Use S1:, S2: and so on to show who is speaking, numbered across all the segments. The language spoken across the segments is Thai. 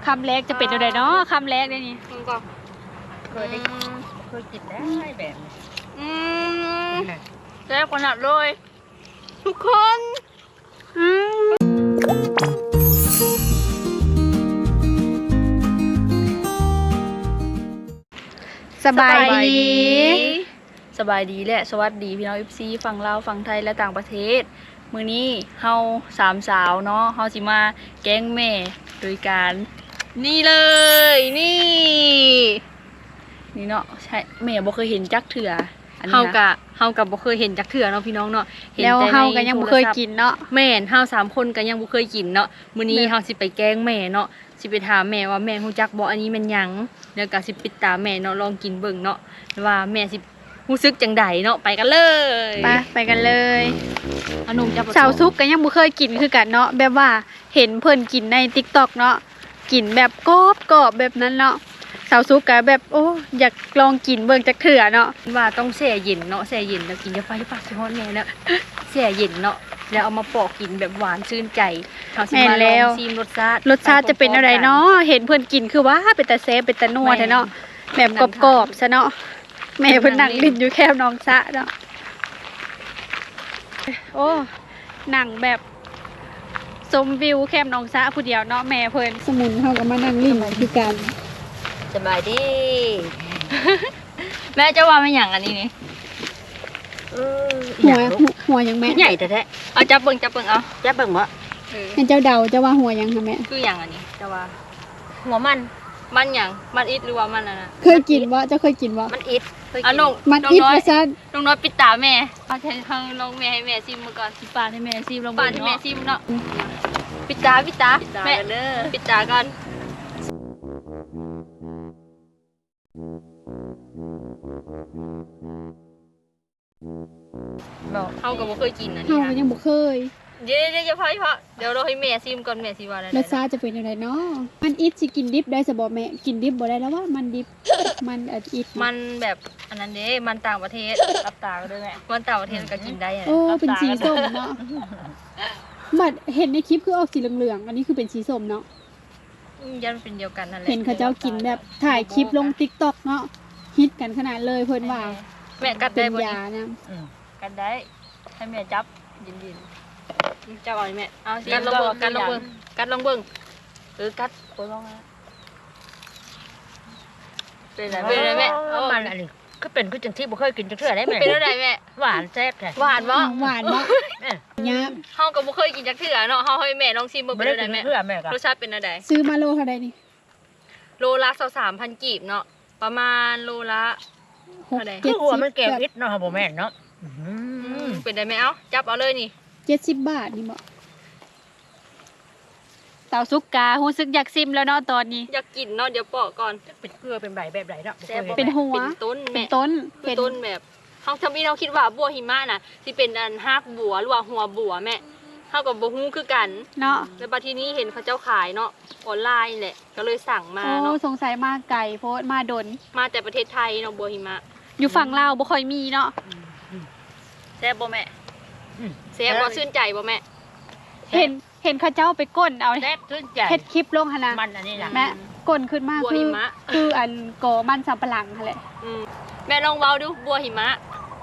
S1: คำแรกจะเป็นอะไรเนาะคำแรกได้นี่
S2: ก็
S3: เคยกินได้แบบนี้
S2: แซ่บขนาดเลยทุกคน
S1: สบายดี
S2: สบายดีและสวัสดีพี่น้อง FC ฝั่งลาวฝั่งไทยและต่างประเทศมื้อนี้เฮาสามสาวเนาะเฮาสิมาแกล้งแม่โดยการนี่เลยนี่เนาะใช่แม่บ่เคยเห็นจักเถื่ออันนี้นะเฮากับบ่เคยเห็นจักเถื่อเนาะพี่น้องเนาะ
S1: แล้วเฮาก็ยังบ่เคยกินเนาะ
S2: แม่นเฮา3คนก็ยังบ่เคยกินเนาะมื้อนี้เฮาสิไปแกล้งแม่เนาะสิไปถามแม่ว่าแม่ฮู้จักบ่อันนี้มันหยังแล้วก็สิปิดตาแม่เนาะลองกินเบิ่งเนาะว่าแม่สิรู้สึกจังใดเนาะไปกันเลย
S1: ไปกันเลย
S2: ขนมจับ
S1: สาวซุกก็ยังบ่เคยกินคือกันเนาะแบบว่าเห็นเพิ่นกินใน TikTok เนาะกินแบบกรอบแบบนั้นเนาะสาวซุกก็แบบโอ้อยากลองกินเบิ่งจักเถื่อเนาะ
S2: ว่าต้องแช่เย็นเนาะแช่เย็นแล้วกินจะไฟปากสิฮอดแน่แล้วแช่เย็นเนาะแล้วเอามาปอกกินแบบหวานชื่นใจเฮาสิมาลองชิมรส
S1: ชาติจะเป็นอะไรเนาะเห็นเพิ่นกินคือว่าเป็นตาแซ่บเป็นตานัวแท้เนาะแบบกรอบๆซะเนาะแม่เพิ่นนั่งลิ้นอยู่แคบน้องซะเนาะโอ้หนังแบบชมวิวแคมน้องซะผู้เดียวเนาะแม่เพิ่นสมุนเฮาก็มานั่งลิ้นคือกัน
S3: สบายดี
S2: แม่จะว่ามันหยังอันนี้นี่
S1: หัวยังแม่
S3: ใหญ่แท้
S2: ๆเอาจับเบิ่งเอา
S3: จับเบิ่งบ่
S1: ให้เจ้าเดาเจ้าว่าหัวยังค่ะแม่
S2: คือหยังอันนี้จะว่า
S3: หัวมัน
S2: หยังมันอิดหรือว่ามันอันน่ะ
S1: เคยกินบ่เจ้าเคยกินบ่
S3: มันอิด
S2: น้อง
S1: มันอิดว่าซั่น
S2: น้องน้อยปิดตาแม่เอาให้ลองแม่ให้แม่ซิมมาก่อนสิปาดให้แม่ซิมลองปาดให้แม่ซิมเนาะปิดตาแม่เด้อปิดตาก่อนเฮาก็บ่เคยกินอันนี้
S1: เฮาก็ยังบ่เคย
S2: เดี๋ยวอย่าพอเดี๋ยวเราให้แม่ซิมก่อนแม่สิว่าได้
S1: รสชาติจะเป็นจังไดเนาะมันอิดสิกินดิบได้ซะบ่แม่กินดิบบ่ได้แล้วว่ามันดิบมันอิด
S2: มันแบบอันนั้นเด้มันต่างประเทศรับตาก็ได้แม่มันต่างประเทศก็กินได้
S1: โอ้เป็นสีส้มเนาะบัดเห็นในคลิปคือออกสีเหลืองๆอันนี้คือเป็นสีส้มเนาะ
S2: ยันเป็นเดียวกันนั่นแหละ
S1: เห็นเขาเจ้ากินแบบถ่ายคลิปลง TikTok เนาะฮิตกันขนาดเลยเพิ่นว่า
S2: แม่กัดได้บ่
S1: นี่
S2: กัดได้ให้แม่จับยินจับเอาแม่เอากัดลองเบิ่งกัดลองเบิ่งกัดโคลองนะเป็นไรแม่
S3: มันอันนี้ก็เป็นคือจังที่บ่เคยกินจังเทื่อได้แม่
S2: เป็นอะไรแม่
S3: หวานแซ่บแท้
S2: หวานบ่
S1: เนี่ย
S2: เฮาก็บ่เคยกินจักเทื่อเนาะเฮาให้แม่ลองชิมเบิ่งเป็นอะไรแม่รสชาติเป็นอะไร
S1: ซื้อมาโลเท่าใดนี่
S2: โลละ23,000กีบเนาะประมาณโลละ
S3: เท่าใดคือหัวมันแก้วอิดเนาะบ่แม่นเนาะ
S2: เป็นได้แม่เอาจับเอาเลยนี่
S1: 70 บาทนี่บ่สาวซุกการู้สึกอยากซิมแล้วเนาะตอนนี้
S2: อยากกินเนาะเดี๋ยวปอกก่อน
S3: เป็นเกลือเป็นใบแบบไหนเนาะ
S1: เป็นหัว
S2: เป็นต้น
S1: เป็นต้น
S2: แบบเฮาทำให้เราคิดว่าบัวหิมะน่ะสิเป็นอันฮักบัวหรือว่าหัวบัวแม่เฮาก็บ่ฮู้คือกัน
S1: เนาะ
S2: แล้วบัดทีนี้เห็นเขาเจ้าขายเนาะออนไลน์แหละก็เลยสั่งมาเนาะ
S1: สงสัยมาไกลโพสมาดน
S2: มาแต่ประเทศไทยเนาะบัวหิมะ
S1: อยู่ฝั่งลาวบ่ค่อยมีเนาะ
S2: แซ่บบ่แม่แซ่บบ่ชื่นใจบ่แม่
S1: เห็นเขาเจ้าไปก้นเอา
S3: แซ่บชื่นใจ
S1: เฮ็ดคลิปลงหั่นน่ะ
S3: มันอันนี้ล่ะ
S1: แม่ก้นขึ้นมาคืออันกอมันสำปะหลังหั่นแหละ
S2: แม่ลองเว้าดูบัวหิมะ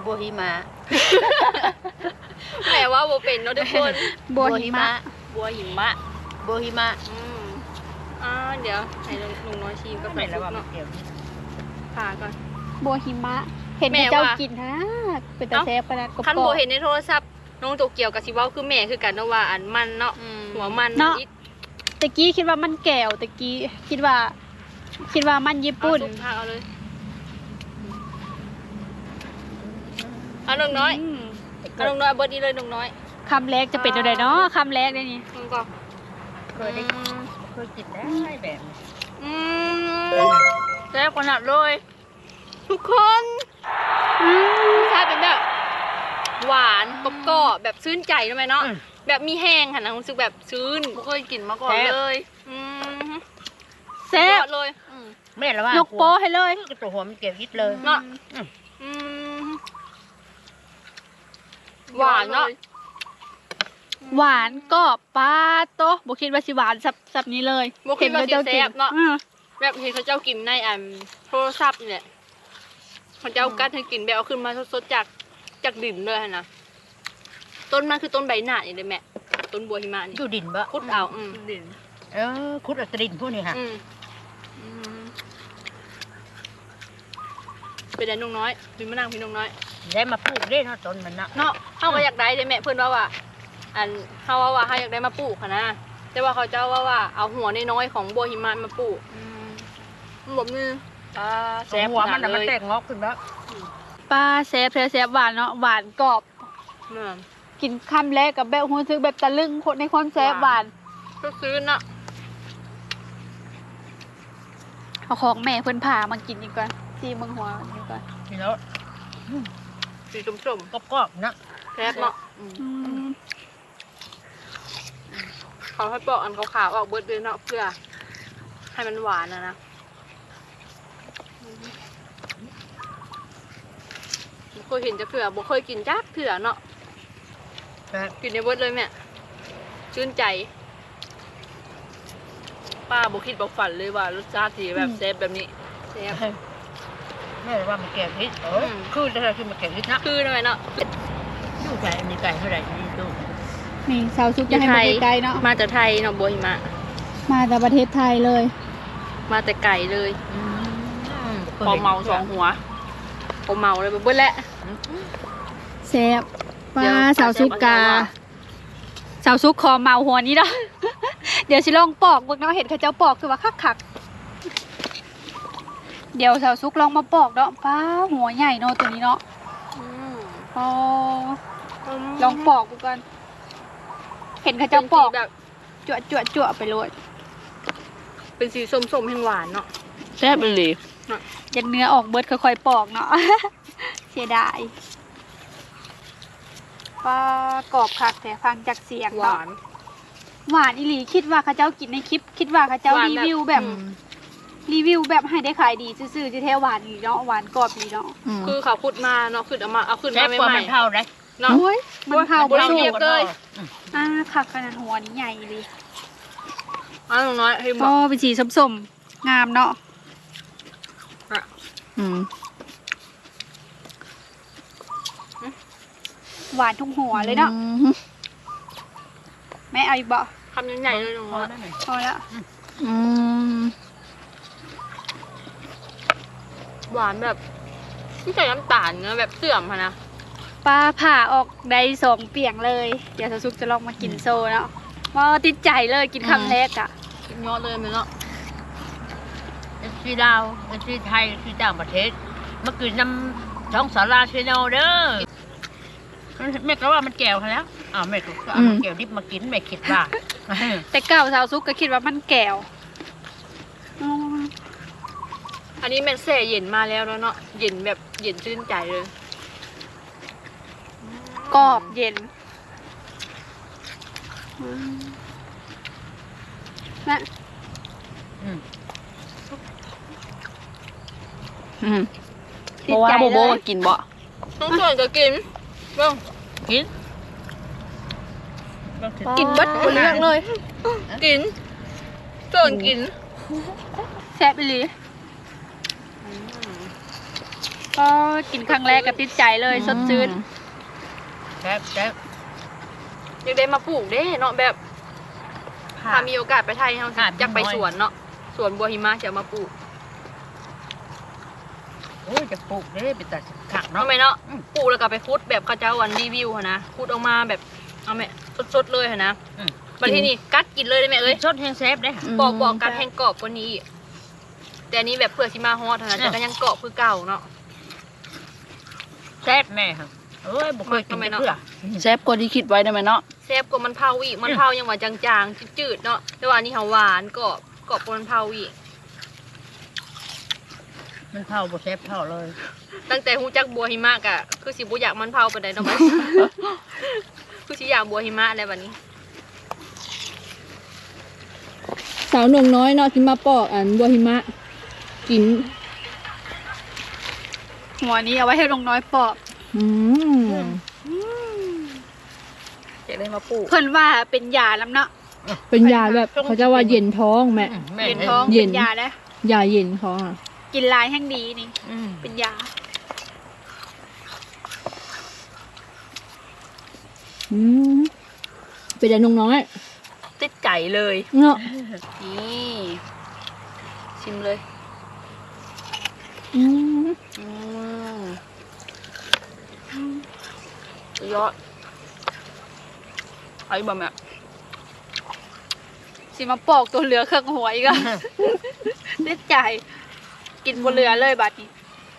S2: แม่ว่าบ่เป็นเนาะทุกคน
S1: บัวหิมะ
S2: เดี๋ยวให้ลุงน้อยชิมก็เป็นแล้วเนาะผ่าก่อน
S1: บัวหิมะเห็นเจ้ากินฮะเป็นตาแซ่บขนาดกรอบ
S2: คันบ่เห็นในโทรศัพท์น้องโตเกียวกับสิเว้าคือแม่คือกันเนาะว่าอันมันเนาะหัวมัน
S1: เนาะตะกี้คิดว่ามันแก้วตะกี้คิดว่ามันญี่ปุ่น
S2: เอาเลยเอาน้องน้อยเบิดนี้เลยน้องน้อย
S1: คำแรกจะเป็นอะไรเนาะคำแรกได้นี่
S2: ก็
S3: เคยกินได้แบบ
S2: แซ่บขนาดเลยทุกคนใช่เป็นแบบหวานกรอบแบบชื่นใจใช่ไหมเนาะแบบมีแห้งค่ะนะรู้สึกแบบชื้นไม่เคยกินมาก่อนเลย
S1: แซ่บ
S2: เลย
S3: แม่ละว่าย
S1: กโป้ให้เลย
S3: กระตัวหัวมันเก็บยิดเลย
S2: เนาะหวานเนาะ
S1: หวานกรอบปลาโตะบ่คิดว่าสิหวานสับนี้เลย
S2: บ่คิดว่าสิแซ่บเนาะ
S1: อือ
S2: แบบเห็นเขาเจ้ากินในโทรศัพท์นี่แหละเขาเจ้ากัดให้กินแบบเอาขึ้นมาสดๆจากดินเลยหั่นนะต้นมันคือต้นใบหน้านี่เลยแม่ต้นบัวหิมะนี่
S3: อยู่ดินบ่
S2: ขุดเอาดิน
S3: คุดเอาแตดินพวกนี้ค่ะ
S2: เป็นไดน้องน้อยพี่มานั่งพี่น้องน้อย
S3: ได้มาปลูกได้เนาะต้นมันเนาะ
S2: เนาะเฮาก็อยากได้เด้แม่เพิ่นว่าเฮาว่าเฮาอยากได้มาปลูกค่ะนะแต่ว่าเขาเจ้าว่าเอาหัวน้อยๆของบัวหิมะมาปลูกมันบ่มีแซ่บ
S3: หัวมัน
S2: ขนาด
S3: มัน
S2: เลย
S3: แตกงอกขึ้นแล้ว
S1: ปลาแซ่บแซ่บหวานเนาะหวานกรอบ
S2: เนี่ย
S1: กินคำแรกกับแบบรู้สึกแบบตะลึงในความแซ่บหวาน
S2: ก็ซื้อน่ะ
S1: เอาของแม่เพิ่นผ่ามากินอีกก่อนซีเมืองหัวนี่ก่อน
S3: นี่แล้ว
S2: สีส้ม
S3: กรอบๆนะ
S2: ๆแซ่บเนาะ
S1: อืม
S2: เขาให้ปอกอันขาวๆออกเบิดเลยเนาะเพื่อให้มันหวานนะบ่เคยเห็นจักเถื่อบ่เคยกินจักเถื่อเนาะ
S3: แต่
S2: กินในเบิดเลยแม่ชื่นใจ
S3: ป้าบ่คิดบ่ฝันเลยว่ารสชาติที่แบบแซ่บแบบนี้
S2: แซ่บ
S3: แม่ว่ามันแกงพริกคือได้คือมันแกงพริกนะ
S2: คือหน่อยเนาะ
S3: อยู่ใจอันนี้ไก่เท่าไหร่นี่ดู
S1: นี่สาวซุกจะให้มาไกลๆเนาะ
S2: มาจากไทยเนาะบัวหิมะ
S1: มาจากประเทศไทยเลย
S2: มาแต่ไก่เลย
S3: พอเมาสองหัว
S2: ผมเมาเลยเบิดแล้ว
S1: แซ่บป
S2: เดี๋
S1: ลา
S2: ยว
S1: สาวซุกกา สาวซุกคอเมาหัวนี้เนาะ เดี๋ยวสิลองปอกเบิ่งเนาะเห็นเขาเจ้าปอกคือว่าคักๆเดี๋ยวสาวซุกลองมาปอกเนาะป้าหัวใหญ่เนาะตัวนี้เนาะอ๋อลองปอกดูกันเห็นเขาเจ้าปอก
S2: แบบ
S1: จั่วไปเลย
S2: เป็นสีส้มๆแห้งหวานเนาะ
S3: แซ่บเลย
S1: ยันเนื้อออกเบิดค่อยๆปอกเนาะ เสียดายปลากรอบคักแต่ฟังจากเสียง
S2: ห
S1: เนาะ
S2: วาน
S1: หวานอีหลีคิดว่าเขาเจ้ากินในคลิป คิดว่าเขาเจ้ารีวิวแบบให้ได้ขายดีซื่อๆจะแท้หวานอีเนาะหวานกรอบอีเนาะ
S2: คือเขาขุดมาเนาะขุดเอาขึ้น
S3: แซ่
S2: มา
S3: บกว่า
S2: ใหม่
S3: มันเท่าได้
S2: ๆเนาะ
S1: โอ้ยมันเผา
S2: บ่
S1: บ่
S2: ได้
S1: สุ
S2: เก็
S1: ก
S2: บเลย
S1: คักขนาดหัวนี้ใหญ่เลย
S2: อันน้อยให้บ
S1: ก็
S2: อก
S1: เป็นสีส้มๆงามเนาะหวานทุกหัวเลยเนาะแม่เอาอีกบ่
S2: คำใหญ่ๆเลยน้อง
S3: พอ
S2: น้อย
S3: ได้ไหม
S1: พอแล้ว
S2: หวานแบบไม่ใส่น้ำตาลเนอะแบบเสื่อมค่ะนะ
S1: ปลาผ่าออกได้2เปียงเลย เดี๋ยวสาวซุกจะลองมากินโซเนาะว่าติดใจเลยกินคำแรกอ่ะ
S2: กินเยอะเลยไหมเนาะ
S3: ที่ลาวที่ไทยที่ต่างประเทศเมื่อคืนน้ำช่องสาราชแนลเด้อแม่ก็ว่ามันแก้วแล้วแม่ก็เอาแก้วดิบมากินแม่คิดว่า
S1: แต่เก่าสาวซุกก็คิดว่ามันแก้วอืม
S2: อันนี้แม่นแช่เย็นมาแล้วเนาะเย็นแบบเย็นชื่นใจเลย
S1: กรอบเย็นนะ
S4: เพราะว่าโบโบก็กินบ่
S2: ต้องส่วนจะกินเบ้าง
S3: กิน
S1: กินเบัดบนเรื่องเลย
S2: กินส่วนกิน
S1: แซ่บอีหลีก็กินครั้งแรกก็ติดใจเลยสดชื่น
S3: แซ่บแซ่บ
S2: อยากได้มาปลูกเด้เนาะแบบถ้ามีโอกาสไปไทยเราอยากไปสวนเนาะสวนบัวหิมะจะเอามาปลูก
S3: โอ้ยจะปลูกเด้ไปตัดขักเนาะ
S2: ทำไมเนาะปลูกแล้วก็ไปคุดแบบเขาเจ้าวันรีวิวค่ะนะคุดออกมาแบบเอาแม่สดๆเลยค่ะนะบัดทีนี้กัดกินเลยได้ไหมเอ้ย
S3: ชดแห้งแซ่บได้
S2: บอกกัดแห้งกรอบกว่านี้อีกแต่อันนี้แบบเพื่อชิมาฮอดเท่านั้นแต่ก็ยังกรอบคือเก่าเนาะ
S3: แซ่บแม่ค่ะเอ้ยบ่เคยกินเพื่อ
S4: แซ่บกว่าที่คิดไว้ได้ไหมเนาะ
S2: แซ่บกว่ามันเผาอีกมันเผายังว่าจางๆจืดๆเนาะแต่ว่าอันนี้เขาหวานกรอบกว่ามันเผาอีก
S3: มันเท่าบ่แซ่บเท่าเลย
S2: ตั้งแต่ฮู้จักบัวหิมะกะคือสิบ่อยากมันเผาไปได้เนาะ คือสิอยากบัวหิมะแล้วบัดนี้
S1: สาวหนุ่มน้อยเนาะที่มาปอกอันบัวหิมะกินหัวนี้เอาไว้ให้ลงน้อยปอก
S4: อยากได้มาปลูก
S1: เพิ่นว่าเป็นยาลำเนาะ
S2: เป็นยาแบบเขาจะว่าเย็นท้องแม่
S3: แม่
S1: เย็นท้อง
S2: เย็น
S1: เป็นยานะ
S2: ยาเย็นเขาอ่ะ
S1: กินลายแห้งดีนี่ เป็นยา
S2: เป็นยาน้อย
S4: ติดใจเลย
S2: เนาะ
S4: นี่ชิมเลยสุดยอดไอ้บะแม่
S1: สิมาปอกตัวเหลือเครื่องหัวอีกอ่ะ ติดใจ กินบนเรือเลยบัดนี้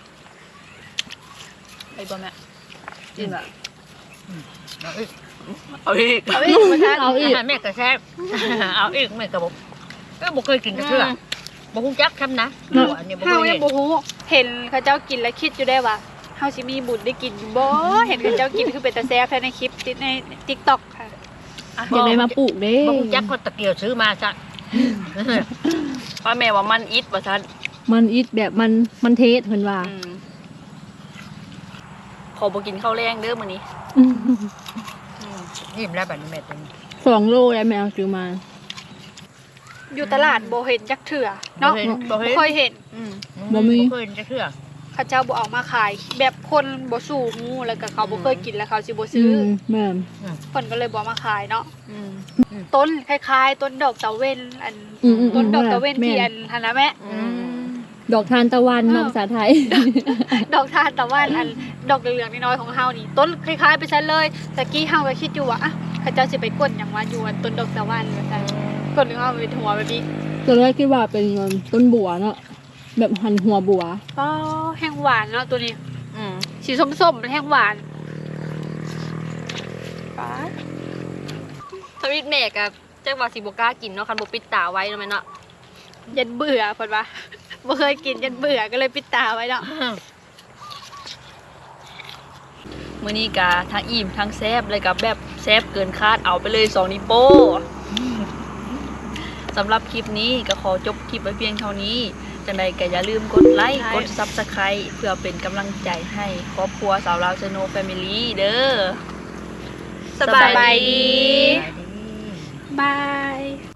S4: ไอ้บะแม่กินแบบ
S3: เอาอีก
S4: เอาอีก
S1: เอาอีกมาทาน
S2: เอาอีก
S3: แม่ก็แซ่บ เอาอีกแม่ก็บอกก็บอกเคยกินกระเทือบอกคุ้จักทำนะอันนี้บอก
S1: เฮา
S3: เคย
S1: ยั
S3: เห็
S1: ง
S3: น
S1: บ่ฮู้เห็นเขาเจ้ากินแล้วคิดอยู่ได้ว่าเฮาสิมีบุญได้กินอยู่บ่เห็นเขาเจ้ากินคือเป็นตาแซ่บแท้ในคลิปติดใน TikTok ค่ะ
S2: อยากได้มาปลูกเด้
S3: บอกคุ้จักก็ตะเกียวซื้อมาจ้ะ
S4: ป้าแม่ว่ามันอิดว่าฉัน
S2: มันอิดแบบมันเทสเพิ่นว่า
S4: ขอบอกินข้าวแรงเด้อมื้อนี้
S3: ยิ้มแล้วแบบนี้แม่ตัวนี้
S2: 2 โลแล้วแม่เอาซื้อมา
S1: อยู่ตลาดบ่เห็นจักเถื่อเนาะ
S3: บอก
S1: บ่เคยเห็น
S2: บ่มี
S3: เคยกระเทือ
S1: เขาเจ้าบ่เอามาขาย แบบคนบ่สู้งูแล้วก็เขาบ่เคยกินแล้วเขาสิบ่
S2: อื
S1: ซื้อ
S2: มแม่น
S1: เพิ่นก็เลยบ่เอามาขายเนาะต้นคล้ายๆ ต้นดอกตะเวนอัน
S2: อืม
S1: ต้นดอกตะเวน
S2: แม่
S1: ที่อันหั่นนะแม่
S2: ดอกทานตะวันเนาะภาษาไทย
S1: ดอกทานตะวันอันดอกเหลืองๆน้อยๆของเฮานี่ต้นคล้ายๆไปซั่นเลยตะกี้เฮาก็คิดอยู่ว่าอ่ะเขาเจ้าสิไปกดหยังว่าอยู่อันต้นดอกตะวันว่าซั่นกดนึงเอาไปหัวแบบนี้
S2: ตอนแรกคิดว่าเป็นต้นบัวเนาะแบบหันหัวบัว
S1: อ๋อแห้งหวานเนาะตัวนี้สีส้มๆแห้งหวานป๊าด
S2: ทวิตแม่กับจักว่าสิบ่กล้ากินเนาะคันบ่ปิดตาไว้เนาะแม่เนาะ
S1: ยันเบื่อเพิ่นว่าบ่เคยกินยันเบื่อก็เลยปิดตาไว้เนาะ
S4: มื้อนี้ก็ทั้งอิ่มทั้งแซ่บเลยกับแบบแซ่บเกินคาดเอาไปเลย2นิ้วโป้ สำหรับคลิปนี้ก็ขอจบคลิปไว้เพียงเท่านี้จังใดก็อย่าลืมกดไลค์กด Subscribe เพื่อเป็นกำลังใจให้ครอบครัวสาวลาวชโนแฟมิลี่เด้อ
S1: สบาย
S4: สบายดี
S1: บาย